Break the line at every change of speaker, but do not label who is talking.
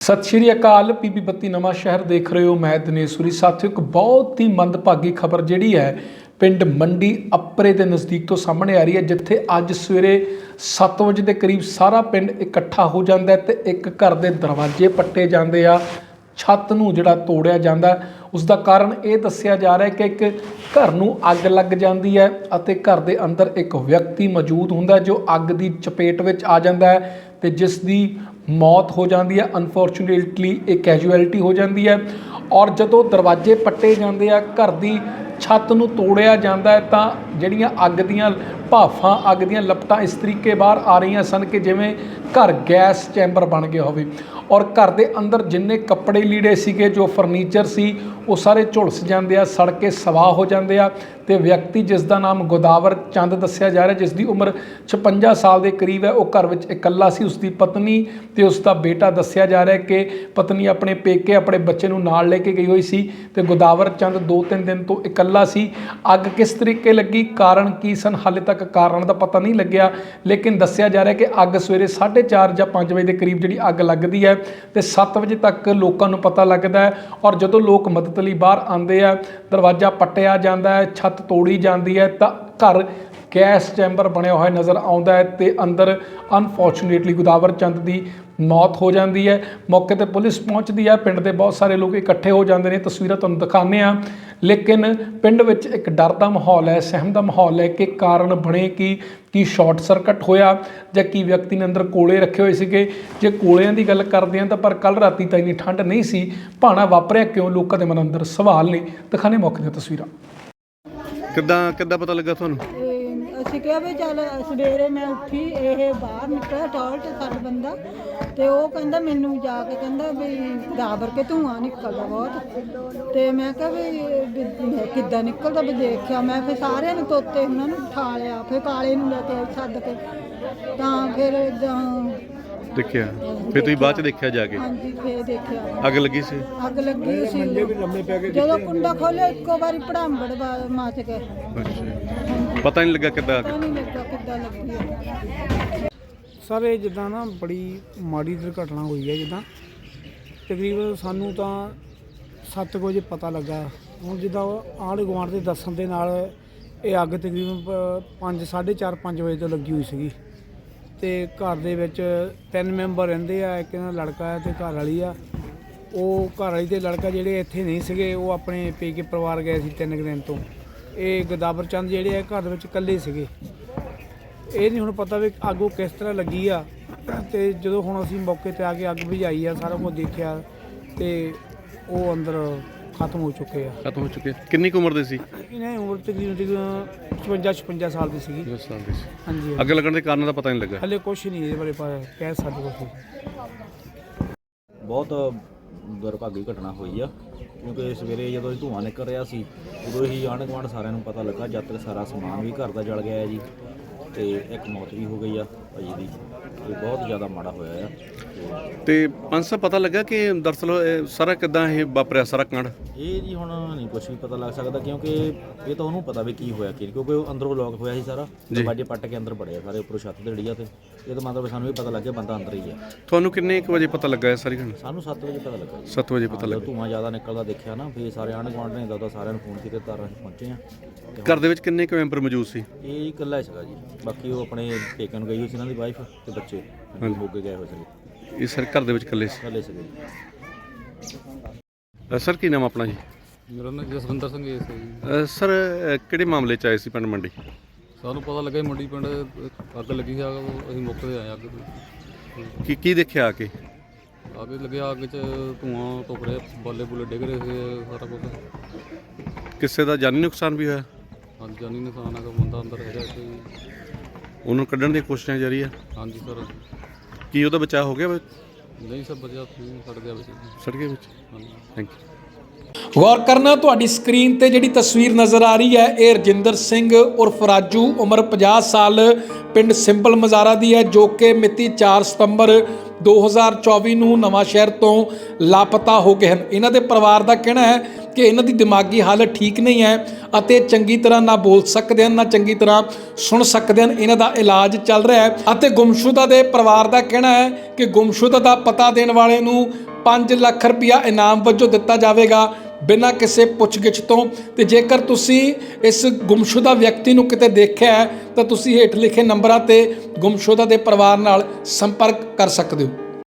ਸਤਿ ਸ਼੍ਰੀ ਅਕਾਲ। ਪੀਪੀ ਬੱਤੀ ਨਵਾਂ ਸ਼ਹਿਰ ਦੇਖ ਰਹੇ ਹੋ। ਮੈਂ ਦਿਨੇਸ਼ਵਰੀ। ਸਾਥੀਓ, ਇੱਕ ਬਹੁਤ ਹੀ ਮੰਦਭਾਗੀ ਖਬਰ ਜਿਹੜੀ ਹੈ ਪਿੰਡ ਮੰਡੀ ਅਪਰੇ ਦੇ ਨਜ਼ਦੀਕ ਤੋਂ ਸਾਹਮਣੇ ਆ ਰਹੀ ਹੈ, ਜਿੱਥੇ ਅੱਜ ਸਵੇਰੇ 7 ਵਜੇ ਦੇ ਕਰੀਬ ਸਾਰਾ ਪਿੰਡ ਇਕੱਠਾ ਹੋ ਜਾਂਦਾ ਤੇ ਇੱਕ ਘਰ ਦੇ ਦਰਵਾਜ਼ੇ ਪੱਟੇ ਜਾਂਦੇ ਆ, ਛੱਤ ਨੂੰ ਜਿਹੜਾ ਤੋੜਿਆ ਜਾਂਦਾ। ਉਸ ਦਾ ਕਾਰਨ ਇਹ ਦੱਸਿਆ ਜਾ ਰਿਹਾ ਹੈ ਕਿ ਇੱਕ ਘਰ ਨੂੰ ਅੱਗ ਲੱਗ ਜਾਂਦੀ ਹੈ ਅਤੇ ਘਰ ਦੇ ਅੰਦਰ ਇੱਕ ਵਿਅਕਤੀ ਮੌਜੂਦ ਹੁੰਦਾ ਜੋ ਅੱਗ ਦੀ ਚਪੇਟ ਵਿੱਚ ਆ ਜਾਂਦਾ ਹੈ ਤੇ ਜਿਸ ਦੀ ਮੌਤ ਹੋ ਜਾਂਦੀ ਹੈ। ਅਨਫੋਰਚੂਨੇਟਲੀ ਇਹ ਕੈਜੂਅਲਟੀ ਹੋ ਜਾਂਦੀ ਹੈ। ਔਰ ਜਦੋਂ ਦਰਵਾਜ਼ੇ ਪੱਟੇ ਜਾਂਦੇ ਆ, ਘਰ ਦੀ ਛੱਤ ਨੂੰ ਤੋੜਿਆ ਜਾਂਦਾ ਹੈ, ਤਾਂ ਜਿਹੜੀਆਂ ਅੱਗ ਦੀਆਂ ਭਾਫਾਂ, ਅੱਗ ਦੀਆਂ ਲਪਟਾਂ ਇਸ ਤਰੀਕੇ ਬਾਹਰ ਆ ਰਹੀਆਂ ਸਨ ਕਿ ਜਿਵੇਂ ਘਰ ਗੈਸ ਚੈਂਬਰ ਬਣ ਗਿਆ ਹੋਵੇ। ਔਰ ਘਰ ਦੇ ਅੰਦਰ ਜਿੰਨੇ ਕੱਪੜੇ ਲੀੜੇ ਸੀਗੇ, ਜੋ ਫਰਨੀਚਰ ਸੀ, ਉਹ ਸਾਰੇ ਝੁਲਸ ਜਾਂਦੇ ਆ, ਸੜ ਕੇ ਸਵਾਹ ਹੋ ਜਾਂਦੇ ਆ। ਤੇ ਵਿਅਕਤੀ ਜਿਸ ਦਾ ਨਾਮ ਗੋਦਾਵਰ ਚੰਦ ਦੱਸਿਆ ਜਾ ਰਿਹਾ, ਜਿਸ ਦੀ ਉਮਰ 56 ਸਾਲ ਦੇ ਕਰੀਬ ਹੈ, ਉਹ ਘਰ ਵਿੱਚ ਇਕੱਲਾ ਸੀ। ਉਸ ਦੀ ਪਤਨੀ ਤੇ ਉਸ ਦਾ ਬੇਟਾ ਦੱਸਿਆ ਜਾ ਰਿਹਾ ਕਿ ਪਤਨੀ ਆਪਣੇ ਪੇਕੇ ਆਪਣੇ ਬੱਚੇ ਨੂੰ ਨਾਲ ਲੈ ਕੇ ਗਈ ਹੋਈ ਸੀ ਤੇ ਗੋਦਾਵਰ ਚੰਦ 2-3 ਦਿਨ ਤੋਂ ਇਕੱਲਾ ਸੀ। ਅੱਗ ਕਿਸ ਤਰੀਕੇ ਲੱਗੀ, ਕਾਰਨ ਕੀ ਸਨ, ਹਾਲੇ ਤੱਕ ਕਾਰਨ ਦਾ ਪਤਾ ਨਹੀਂ ਲੱਗਿਆ। ਲੇਕਿਨ ਦੱਸਿਆ ਜਾ ਰਿਹਾ ਕਿ ਅੱਗ ਸਵੇਰੇ 4:30 ਜਾਂ 5 ਵਜੇ ਦੇ ਕਰੀਬ ਜਿਹੜੀ ਅੱਗ ਲੱਗਦੀ ਹੈ ਤੇ 7 ਵਜੇ ਤੱਕ ਲੋਕਾਂ ਨੂੰ ਪਤਾ ਲੱਗਦਾ ਹੈ। ਔਰ ਜਦੋਂ ਲੋਕ ਮਦਦ ਲਈ ਬਾਹਰ ਆਉਂਦੇ ਆ, ਦਰਵਾਜ਼ਾ ਪੱਟਿਆ ਜਾਂਦਾ ਹੈ, ਛੱਤ ਤੋੜੀ ਜਾਂਦੀ ਹੈ, ਤਾਂ ਘਰ ਗੈਸ ਚੈਂਬਰ ਬਣਿਆ ਹੋਇਆ ਨਜ਼ਰ ਆਉਂਦਾ ਹੈ ਤੇ ਅੰਦਰ ਅਨਫੋਰਚੂਨੇਟਲੀ ਗੋਦਾਵਰ ਚੰਦ ਦੀ ਮੌਤ ਹੋ ਜਾਂਦੀ ਹੈ। ਮੌਕੇ ਤੇ ਪੁਲਿਸ ਪਹੁੰਚਦੀ ਹੈ, ਪਿੰਡ ਦੇ ਬਹੁਤ ਸਾਰੇ ਲੋਕ ਇਕੱਠੇ ਹੋ ਜਾਂਦੇ ਨੇ। ਤਸਵੀਰਾਂ ਤੁਹਾਨੂੰ ਦਿਖਾਉਂਦੇ ਹਾਂ। ਲੇਕਿਨ ਪਿੰਡ ਵਿੱਚ ਇੱਕ ਡਰ ਦਾ ਮਾਹੌਲ ਹੈ, ਸਹਿਮ ਦਾ ਮਾਹੌਲ ਹੈ ਕਿ ਕਾਰਨ ਬਣੇ ਕੀ ਸ਼ਾਰਟ ਸਰਕਟ ਹੋਇਆ ਜਾਂ ਕੀ ਵਿਅਕਤੀ ਨੇ ਅੰਦਰ ਕੋਲੇ ਰੱਖੇ ਹੋਏ ਸੀਗੇ। ਜੇ ਕੋਲਿਆਂ ਦੀ ਗੱਲ ਕਰਦੇ ਹਾਂ ਤਾਂ ਪਰ ਕੱਲ੍ਹ ਰਾਤੀ ਤਾਂ ਇੰਨੀ ਠੰਡ ਨਹੀਂ ਸੀ, ਭਾਣਾ ਵਾਪਰਿਆ ਕਿਉਂ, ਲੋਕਾਂ ਦੇ ਮਨ ਅੰਦਰ ਸਵਾਲ ਨੇ। ਦਿਖਾਣੇ ਮੌਕੇ ਦੀਆਂ ਤਸਵੀਰਾਂ।
ਕਿੱਦਾਂ ਪਤਾ ਲੱਗਾ ਤੁਹਾਨੂੰ?
ਅਸੀਂ ਕਿਹਾ ਵੀ ਚੱਲ ਸਵੇਰੇ ਮੈਂ ਉੱਠੀ, ਇਹ ਬਾਹਰ ਨਿਕਲਿਆ ਟਾਇਲਟ ਸਾਡਾ ਬੰਦਾ, ਤੇ ਉਹ ਕਹਿੰਦਾ ਮੈਨੂੰ ਜਾ ਕੇ ਕਹਿੰਦਾ ਵੀ ਗਾਬਰ ਕੇ ਧੂੰਆਂ ਨਿਕਲਦਾ ਬਹੁਤ। ਤੇ ਮੈਂ ਕਿਹਾ ਵੀ ਕਿੱਦਾਂ ਨਿਕਲਦਾ, ਵੀ ਦੇਖਿਆ ਮੈਂ। ਫਿਰ ਸਾਰਿਆਂ ਨੇ ਤੋਤੇ ਉਹਨਾਂ ਨੂੰ ਉਠਾ ਲਿਆ, ਫਿਰ ਕਾਲੇ ਨੂੰ ਲੈ ਕੇ ਸੱਦ ਕੇ, ਤਾਂ ਫਿਰ
ਦੇਖਿਆ। ਫਿਰ ਤੁਸੀਂ ਬਾਅਦ ਚ ਦੇਖਿਆ ਜਾ ਕੇ?
ਹਾਂਜੀ, ਫਿਰ ਦੇਖਿਆ
ਅੱਗ ਲੱਗੀ ਸੀ।
ਅੱਗ ਲੱਗੀ ਸੀ। ਜਦੋਂ ਕੁੰਡਾ ਖੋਲਿਆ ਇੱਕੋ ਵਾਰੀ ਭੜਾਂਬੜ ਮੱਚ ਗਏ।
ਪਤਾ ਨਹੀਂ ਲੱਗਾ ਕਿੱਦਾਂ
ਨਹੀਂ ਲੱਗਾ ਕਿੱਦਾਂ ਲੱਗੀ।
ਸਰ ਇਹ ਜਿੱਦਾਂ ਨਾ ਬੜੀ ਮਾੜੀ ਦੁਰਘਟਨਾ ਹੋਈ ਹੈ। ਜਿੱਦਾਂ ਤਕਰੀਬਨ ਸਾਨੂੰ ਤਾਂ 7 ਵਜੇ ਪਤਾ ਲੱਗਾ। ਹੁਣ ਜਿੱਦਾਂ ਆਂਢ ਗੁਆਂਢ ਦੇ ਦੱਸਣ ਦੇ ਨਾਲ ਇਹ ਅੱਗ ਤਕਰੀਬਨ 4:30-5 ਵਜੇ ਤੋਂ ਲੱਗੀ ਹੋਈ ਸੀਗੀ। ਤੇ ਘਰ ਦੇ ਵਿੱਚ 3 ਮੈਂਬਰ ਰਹਿੰਦੇ ਆ, ਇੱਕ ਇਹਨਾਂ ਲੜਕਾ ਹੈ ਤੇ ਘਰ ਵਾਲੀ ਆ। ਉਹ ਘਰ ਵਾਲੀ ਤੇ ਲੜਕਾ ਜਿਹੜੇ ਇੱਥੇ ਨਹੀਂ ਸੀਗੇ, ਉਹ ਆਪਣੇ ਪੇਕੇ ਪਰਿਵਾਰ ਗਏ ਸੀ 3 ਦਿਨ ਤੋਂ। ਇਹ ਗੋਦਾਵਰ ਚੰਦ ਜਿਹੜੇ ਆ ਘਰ ਵਿੱਚ ਇਕੱਲੇ ਸੀਗੇ। ਇਹ ਨਹੀਂ ਹੁਣ ਪਤਾ ਵੀ ਅੱਗ ਉਹ ਕਿਸ ਤਰ੍ਹਾਂ ਲੱਗੀ ਆ। ਤੇ ਜਦੋਂ ਹੁਣ ਅਸੀਂ ਮੌਕੇ 'ਤੇ ਆ ਕੇ ਅੱਗ ਬੁਝਾਈ ਆ, ਸਾਰਾ ਕੁਝ ਦੇਖਿਆ ਤੇ ਉਹ ਅੰਦਰ ਖਤਮ ਹੋ ਚੁੱਕੇ ਆ।
ਕਿੰਨੀ ਕੁ ਉਮਰ ਦੇ ਸੀ?
ਇਹਨਾਂ ਦੀ ਉਮਰ ਤਕਰੀਬਨ 55 ਸਾਲ ਦੀ ਸੀਗੀ।
10 ਸਾਲ ਦੀ ਸੀ।
ਹਾਂਜੀ।
ਅੱਗ ਲੱਗਣ ਦੇ ਕਾਰਨ ਦਾ ਪਤਾ ਨਹੀਂ ਲੱਗਾ
ਹਲੇ ਕੁਛ ਨਹੀਂ ਇਹਦੇ ਬਾਰੇ ਕਹਿ ਸਕਦੇ ਕੁਛ।
ਬਹੁਤ ਦੁਰਭਾਗੀ ਘਟਨਾ ਹੋਈ ਆ, ਕਿਉਂਕਿ ਸਵੇਰੇ ਜਦੋਂ ਧੂੰਆਂ ਨਿਕਲ ਰਿਹਾ ਸੀ ਉਦੋਂ ਹੀ ਆਂਢ ਗੁਆਂਢ ਸਾਰਿਆਂ ਨੂੰ ਪਤਾ ਲੱਗਾ। ਜਦ ਤੱਕ ਸਾਰਾ ਸਮਾਨ ਵੀ ਘਰ ਦਾ ਜਲ ਗਿਆ ਹੈ ਜੀ, ਤੇ ਇੱਕ ਮੌਤ ਵੀ ਹੋ ਗਈ ਆ ਭਾਜੀ ਦੀ। ਤੇ ਬਹੁਤ ਜ਼ਿਆਦਾ ਮਾੜਾ ਹੋਇਆ ਆ।
ਤੇ ਪੰਜ ਸਾਹਿਬ ਪਤਾ ਲੱਗਾ ਕਿ ਦਰਅਸਲ ਸਾਰਾ ਕਿੱਦਾਂ ਇਹ ਵਾਪਰਿਆ ਸਾਰਾ ਕਾਂਡ?
ਇਹ ਜੀ ਹੁਣ ਨਹੀਂ ਕੁਝ ਵੀ ਪਤਾ ਲੱਗ ਸਕਦਾ, ਕਿਉਂਕਿ ਇਹ ਤਾਂ ਉਹਨੂੰ ਪਤਾ ਵੀ ਕੀ ਹੋਇਆ ਕੀ, ਕਿਉਂਕਿ ਉਹ ਅੰਦਰੋਂ ਲੋਕ ਹੋਇਆ ਸੀ ਸਾਰਾ। ਦਰਵਾਜ਼ੇ ਪੱਟ ਕੇ ਅੰਦਰ ਵੜਿਆ ਸਾਰੇ, ਉੱਪਰੋਂ ਛੱਤ ਤੇ ਡਿੱਗਿਆ। ਤੇ ਇਹ ਤਾਂ ਮਤਲਬ ਸਾਨੂੰ ਵੀ ਪਤਾ ਲੱਗ ਗਿਆ ਬੰਦਾ ਅੰਦਰ ਹੀ ਆ।
ਤੁਹਾਨੂੰ ਕਿੰਨੇ ਕੁ ਵਜੇ ਪਤਾ ਲੱਗਾ ਇਹ ਸਾਰੀ ਘਟਨਾ?
ਸਾਨੂੰ 7 ਵਜੇ ਪਤਾ ਲੱਗਾ।
7 ਵਜੇ ਪਤਾ ਲੱਗਾ।
ਧੂੰਆਂ ਜ਼ਿਆਦਾ ਨਿਕਲਦਾ ਦੇਖਿਆ ਨਾ, ਫਿਰ ਸਾਰੇ ਆਂਢ ਗੁਆਂਢ ਨੇ ਦੱਸਦਾ, ਸਾਰਿਆਂ ਨੂੰ ਫੋਨ ਕੀਤੇ, ਤਾਂ ਅਸੀਂ ਪਹੁੰਚੇ ਆ।
ਘਰ ਦੇ ਵਿੱਚ ਕਿੰਨੇ ਕੁ ਮੈਂਬਰ ਮੌਜੂਦ ਸੀ?
ਇਹ ਇਕੱਲਾ ਹੀ ਸੀਗਾ ਜੀ, ਬਾਕੀ ਉਹ ਆਪਣੇ ਪੇਕਿਆਂ ਨੂੰ ਗਈ ਹੋਈ ਸੀ, ਇਹਨਾਂ ਦੀ ਵਾਈਫ ਤੇ ਬੱਚੇ ਮੋਗੇ ਗਏ ਹੋਏ ਸੀਗੇ।
ਇਹ ਸਰ ਘਰ ਦੇ ਵਿੱਚ ਇਕੱਲੇ ਸੀ?
ਇਕੱਲੇ ਸੀਗੇ
ਜੀ। ਸਰ ਕੀ ਨਾਮ ਆਪਣਾ ਜੀ?
ਮੇਰਾ ਨਾਮ ਜਸਵਿੰਦਰ ਸਿੰਘ ਹੈ ਜੀ।
ਸਰ ਕਿਹੜੇ ਮਾਮਲੇ 'ਚ ਆਏ ਸੀ ਪਿੰਡ ਮੰਡੀ?
ਸਾਨੂੰ ਪਤਾ ਲੱਗਾ ਮੰਡੀ ਪਿੰਡ ਅੱਗ ਲੱਗੀ ਸੀ। ਅਸੀਂ ਮੌਕੇ 'ਤੇ ਆਏ ਅੱਗ
ਕੀ ਦੇਖਿਆ ਆ ਕੇ?
ਅੱਗ ਲੱਗਿਆ, ਅੱਗ 'ਚ ਧੂੰਆਂ ਧੁੱਪ ਰਿਹਾ, ਬਾਲੇ ਬੁਲੇ ਡਿੱਗ ਰਹੇ ਸੀ, ਸਾਰਾ ਕੁਛ।
ਕਿਸੇ ਦਾ ਜਾਨੀ ਨੁਕਸਾਨ ਵੀ ਹੋਇਆ?
ਹਾਂਜੀ, ਜਾਨੀ ਨੁਕਸਾਨ ਹੈਗਾ, ਬੰਦਾ ਅੰਦਰ ਹੈਗਾ ਇੱਥੇ।
ਉਹਨੂੰ ਕੱਢਣ ਦੀਆਂ ਕੋਸ਼ਿਸ਼ਾਂ ਜਾਰੀ ਆ?
ਹਾਂਜੀ ਸਰ।
ਕੀ ਉਹਦਾ ਬਚਾਅ ਹੋ ਗਿਆ?
ਨਹੀਂ ਸਰ, ਬਚਿਆ ਸੜ ਗਿਆ ਵਿੱਚ।
ਸੜ ਗਿਆ ਵਿੱਚ?
ਹਾਂਜੀ।
Thank you.
ਗੌਰ ਕਰਨਾ, ਤੁਹਾਡੀ ਸਕਰੀਨ ਤੇ ਜਿਹੜੀ ਤਸਵੀਰ ਨਜ਼ਰ ਆ ਰਹੀ ਹੈ, ਇਹ ਰਜਿੰਦਰ ਸਿੰਘ ਉਰਫ ਰਾਜੂ, ਉਮਰ 50 ਸਾਲ, ਪਿੰਡ ਸਿੰਪਲ ਮਜ਼ਾਰਾ ਦੀ ਹੈ, ਜੋ ਕਿ ਮਿਤੀ 4 ਸਤੰਬਰ 2024 ਨੂੰ ਨਵਾਂ ਸ਼ਹਿਰ ਤੋਂ ਲਾਪਤਾ ਹੋ ਗਏ ਹਨ। ਇਹਨਾਂ ਦੇ ਪਰਿਵਾਰ ਦਾ ਕਹਿਣਾ ਹੈ ਕਿ ਇਹਨਾਂ ਦੀ ਦਿਮਾਗੀ ਹਾਲਤ ਠੀਕ ਨਹੀਂ ਹੈ ਅਤੇ ਚੰਗੀ ਤਰ੍ਹਾਂ ਨਾ ਬੋਲ ਸਕਦੇ ਹਨ, ਨਾ ਚੰਗੀ ਤਰ੍ਹਾਂ ਸੁਣ ਸਕਦੇ ਹਨ। ਇਹਨਾਂ ਦਾ ਇਲਾਜ ਚੱਲ ਰਿਹਾ ਹੈ ਅਤੇ ਗੁੰਮਸ਼ੁਦਾ ਦੇ ਪਰਿਵਾਰ ਦਾ ਕਹਿਣਾ ਹੈ ਕਿ ਗੁੰਮਸ਼ੁਦਾ ਦਾ ਪਤਾ ਦੇਣ ਵਾਲੇ ਨੂੰ 5 ਲੱਖ ਰੁਪਇਆ ਇਨਾਮ ਵਜੋਂ ਦਿੱਤਾ ਜਾਵੇਗਾ ਬਿਨਾਂ ਕਿਸੇ ਪੁੱਛਗਿੱਛ ਤੋਂ। ਤੇ ਜੇਕਰ ਤੁਸੀਂ ਇਸ ਗੁੰਮਸ਼ੁਦਾ ਵਿਅਕਤੀ ਨੂੰ ਕਿਤੇ ਦੇਖਿਆ ਹੈ ਤਾਂ ਤੁਸੀਂ ਹੇਠ ਲਿਖੇ ਨੰਬਰਾਂ ਤੇ ਗੁੰਮਸ਼ੁਦਾ ਦੇ ਪਰਿਵਾਰ ਨਾਲ ਸੰਪਰਕ ਕਰ ਸਕਦੇ ਹੋ।